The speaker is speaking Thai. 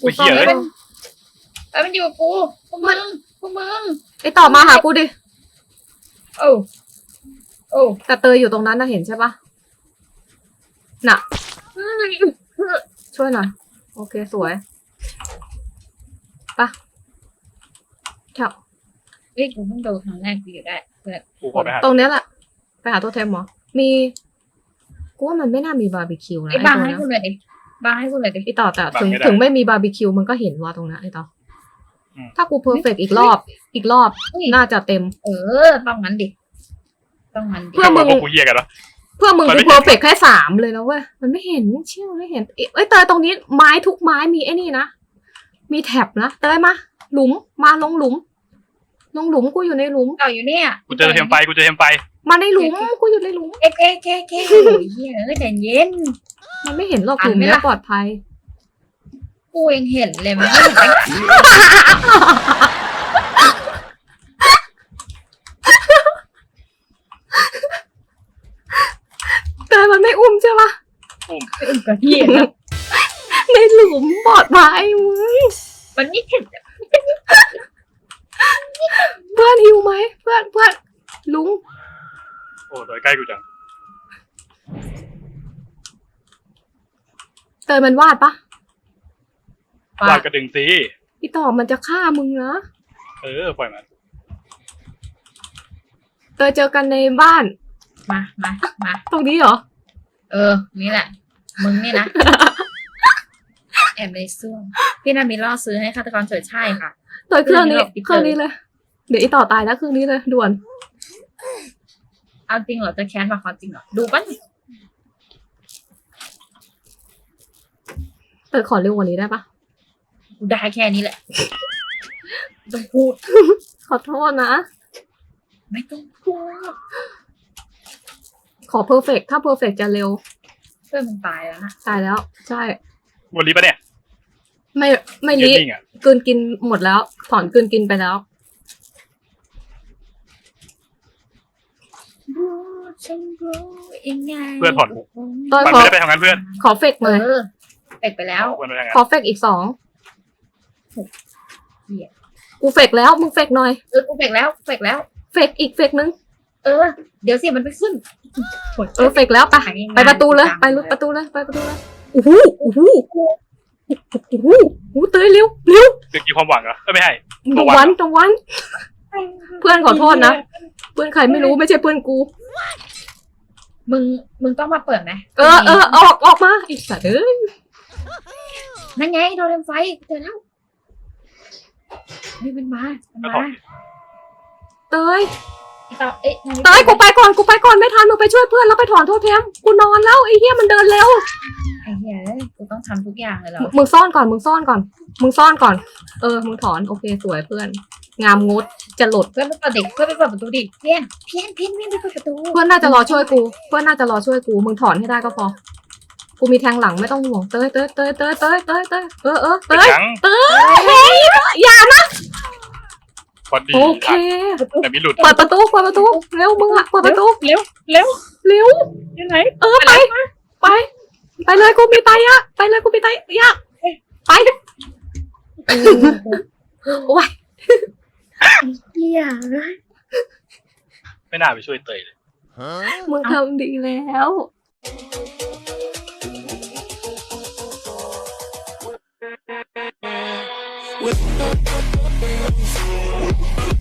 กูซ่อนไม่ได้มันอยู่กับกูพวกมึงไอต่อมาหากูดิโอ้แต่เตยอยู่ตรงนั้นนะเห็นใช่ปะน่ะ ช่วยหน่อยโอเคสวยปะแถวเฮ้ยกูเพิ่งโดนครั้งแรกกูอยู่ได้เพื่อนกูขอไปหาตรงเนี้ยแหละไปหาตัวเทมเหรอมีกูว่ามันไม่น่ามีบาร์บีคิวนะไอ้บางตัวให้เนี้ยกูเลยดิบางให้กูเลยดิไอต่อแต่ถึงไม่มีบาร์บีคิวมันก็เห็นว่าตรงนั้นไอต่อถ้ากูเพอร์เฟกอีกรอบน่าจะเต็มต้องงั้นดิต้องงั้นดิเพื่อมึงกูเหี้ยกันวะเพื่อมึงกูเพอร์เฟกแค่3เลยนะเว้ยมันไม่เห็นเชื่อไม่เห็นเอ้ยเตยตรงนี้ไม้ทุกไม้มีไอ้นี่นะมีแท็บนะเตยมาหลุมมาลงหลุมกูอยู่ในหลุมต่ออยู่เนี่ยกูเจอเทมไฟมาในหลุมกูอยู่ในหลุมเอ๊ะเฮียใจเย็นมันไม่เห็นหรอกหลุมเนี้ยปลอดภัยกูยังเห็นเลยมันไม่เห็นแต่มันไม่อุ้มใช่ปะเป็นกระเทียมในหลุมปลอดภัยมึงมันนี่เห็นเพื่อนหิวไหมเพื่อนลุงโอ้โดยใกล้กูจังเตยมันวาดปะวาดกระดึงสิอีต่อมันจะฆ่ามึงนะปล่อยมันเตยเจอกันในบ้านมาตรงนี้เหรอนี่แหละมึงนี่นะแอบในซ่วมพี่นามีล่อซื้อให้ฆาตกรเฉยใช่ค่ะเตยเครื่องนี้เลย เดี๋ยวอีต่อตายแล้วเครื่องนี้เลยด่วนเอาจริงเหรอจะแค้นมาเขาจริงเหรอดูป่ะเตยขอเร็วกว่านี้ได้ปะกูได้แค่นี้แหละต้องพูดขอโทษนะไม่ต้องพูดขอเพอร์เฟกถ้าเพอร์เฟกจะเร็วเพื่อนมึงตายแล้วนะตายแล้ว ใช่วันนี้ปะเนี่ยไม่ลินิ่งอ่ะกลืนกินหมดแล้วถอนกลืนกินไปแล้วฉันรู้ยังไงเพื่อนถอดหูตอนมันขอไม่ได้ไปทำงานเพื่อนขอเฟกหน่อยเฟกไปแล้วเพื่อนไปทำงานขอเฟกอีก2 เหี้ยกูเฟกแล้วมึงเฟกหน่อยกูเฟกแล้วเฟกอีกเฟกนึงเดี๋ยวสิมันไปขึ้นเฟกแล้วไปประตูเลยไปประตูเลยโอ้โหเตยเร็วเด็กกี่ความหวังเหรอไม่ให้ตรงวันเพื่อนขอโทษนะเพื่อนใครไม่รู้ไม่ใช่เพื่อนกูมึงต้องมาเปิดไหมออกมาอีกสัตว์เอ้ยนั่นไงโดนไฟเจอแล้วนี่มันมาเตยต่อกูไปก่อนไม่ทันมึงไปช่วยเพื่อนแล้วไปถอนโทษแทมกูนอนแล้วไอ้เหี้ยมันเดินเร็วไอ้เหี้ยกูต้องทำทุกอย่างเลยเหรอมึงซ่อนก่อนมึงถอนโอเคสวยเพื่อนงามงดจะหลดเพื่อนไปเปิดประตูดิเพี้ยนไปเปิดประตูเพื่อนน่าจะรอช่วยกูมึงถอนให้ได้ก็พอกูมีแทงหลังไม่ต้องห่วงเตยอย่านะพอดีโอเคแต่มีหลุดเปิดประตูเร็วมึงอะเปิดประตูเร็วอยู่ไหนไปเลยกูมีไตอะไปโอ้ยเหี้ยไม่น่าไปช่วยเตยเลยมึงทำดีแล้ว with